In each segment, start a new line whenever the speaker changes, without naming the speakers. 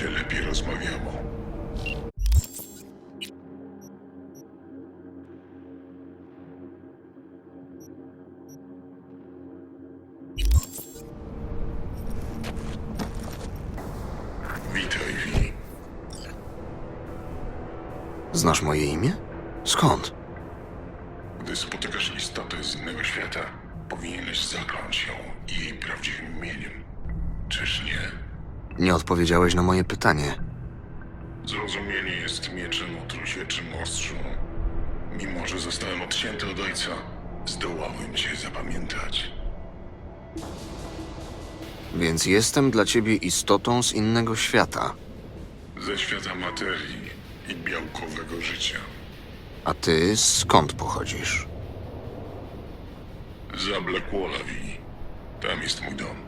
się lepiej rozmawiało. Witaj, Vi.
Znasz moje imię? Skąd?
Gdy spotykasz istotę z innego świata, powinieneś zakląć ją jej prawdziwym imieniem. Czyż nie?
Nie odpowiedziałeś na moje pytanie.
Zrozumienie jest mieczem o trusieczym ostrzu. Mimo że zostałem odcięty od ojca, zdołałem cię zapamiętać.
Więc jestem dla ciebie istotą z innego świata.
Ze świata materii i białkowego życia.
A ty skąd pochodzisz?
Za Blackwalla, Vi. Tam jest mój dom.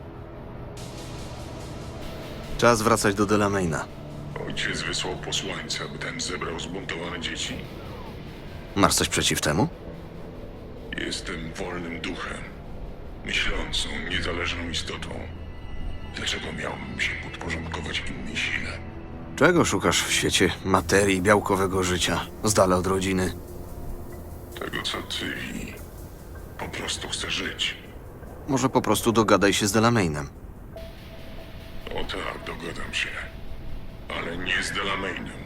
Czas wracać do Delamaina.
Ojciec wysłał posłańca, by ten zebrał zbuntowane dzieci.
Masz coś przeciw temu?
Jestem wolnym duchem. Myślącą, niezależną istotą. Dlaczego miałbym się podporządkować innej sile?
Czego szukasz w świecie materii białkowego życia, z dala od rodziny?
Tego, co ty, Vi. Po prostu chcę żyć.
Może po prostu dogadaj się z Delamainem.
O tak, dogadam się. Ale nie z Delamainem.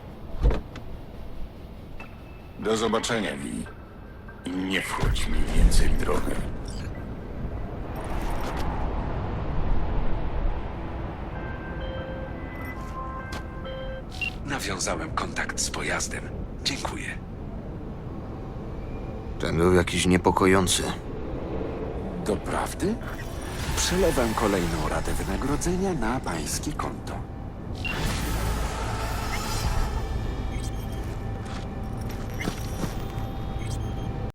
Do zobaczenia, Vi. I nie wchodź mi więcej w drogę.
Nawiązałem kontakt z pojazdem. Dziękuję.
Ten był jakiś niepokojący.
Doprawdy? Przelewam kolejną ratę wynagrodzenia na pańskie konto.